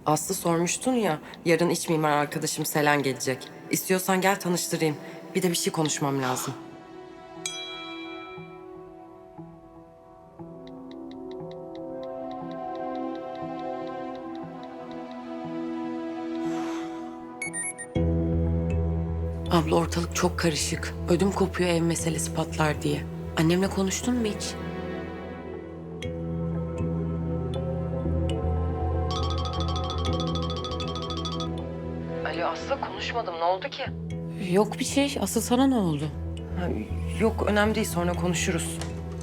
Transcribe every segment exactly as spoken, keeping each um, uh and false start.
Aslı sormuştun ya, yarın iç mimar arkadaşım Selen gelecek. İstiyorsan gel tanıştırayım. Bir de bir şey konuşmam lazım. Abla ortalık çok karışık. Ödüm kopuyor ev meselesi patlar diye. Annemle konuştun mu hiç? Alo Aslı, konuşmadım. Ne oldu ki? Yok bir şey. Asıl sana ne oldu? Ha, yok önemli değil, sonra konuşuruz.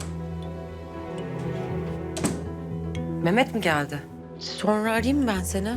Mehmet mi geldi? Sonra arayayım mı ben seni?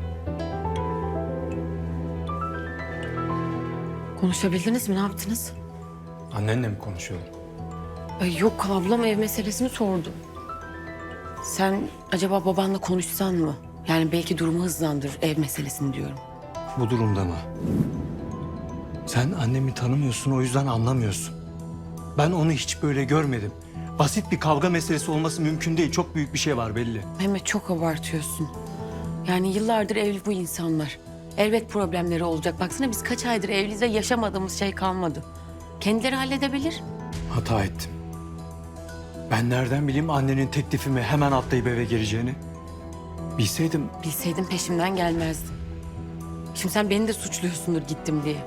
Konuşabildiniz mi? Ne yaptınız? Annenle mi konuşuyorlar? Ay yok, ablam ev meselesini sordu. Sen acaba babanla konuşsan mı? Yani belki durumu hızlandır ev meselesini diyorum. Bu durumda mı? Sen annemi tanımıyorsun, o yüzden anlamıyorsun. Ben onu hiç böyle görmedim. Basit bir kavga meselesi olması mümkün değil. Çok büyük bir şey var belli. Mehmet çok abartıyorsun. Yani yıllardır evli bu insanlar. Elbet problemleri olacak. Baksana biz kaç aydır evliyiz ve yaşamadığımız şey kalmadı. Kendileri halledebilir. Hata ettim. Ben nereden bileyim annenin teklifimi hemen atlayıp eve gireceğini? Bilseydim Bilseydim peşimden gelmezdim. Şimdi sen beni de suçluyorsundur gittim diye.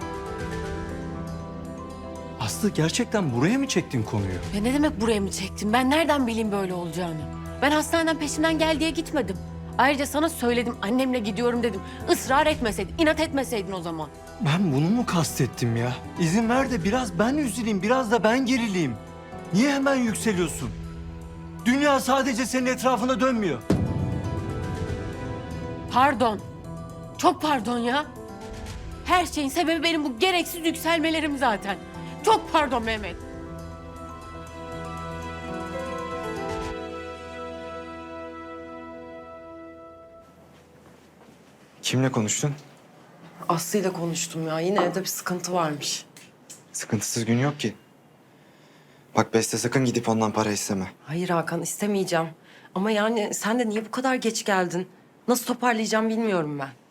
Aslı gerçekten buraya mı çektin konuyu? Ya ne demek buraya mı çektin? Ben nereden bileyim böyle olacağını? Ben hastaneden peşinden gel diye gitmedim. Ayrıca sana söyledim, annemle gidiyorum dedim. Israr etmeseydin, inat etmeseydin o zaman. Ben bunu mu kastettim ya? İzin ver de biraz ben üzüleyim, biraz da ben gerileyim. Niye hemen yükseliyorsun? Dünya sadece senin etrafında dönmüyor. Pardon. Çok pardon ya. Her şeyin sebebi benim bu gereksiz yükselmelerim zaten. Çok pardon Mehmet. Kimle konuştun? Aslı'yla konuştum ya. Yine evde bir sıkıntı varmış. Sıkıntısız gün yok ki. Bak Beste, sakın gidip ondan para isteme. Hayır Hakan, istemeyeceğim. Ama yani sen de niye bu kadar geç geldin? Nasıl toparlayacağım bilmiyorum ben.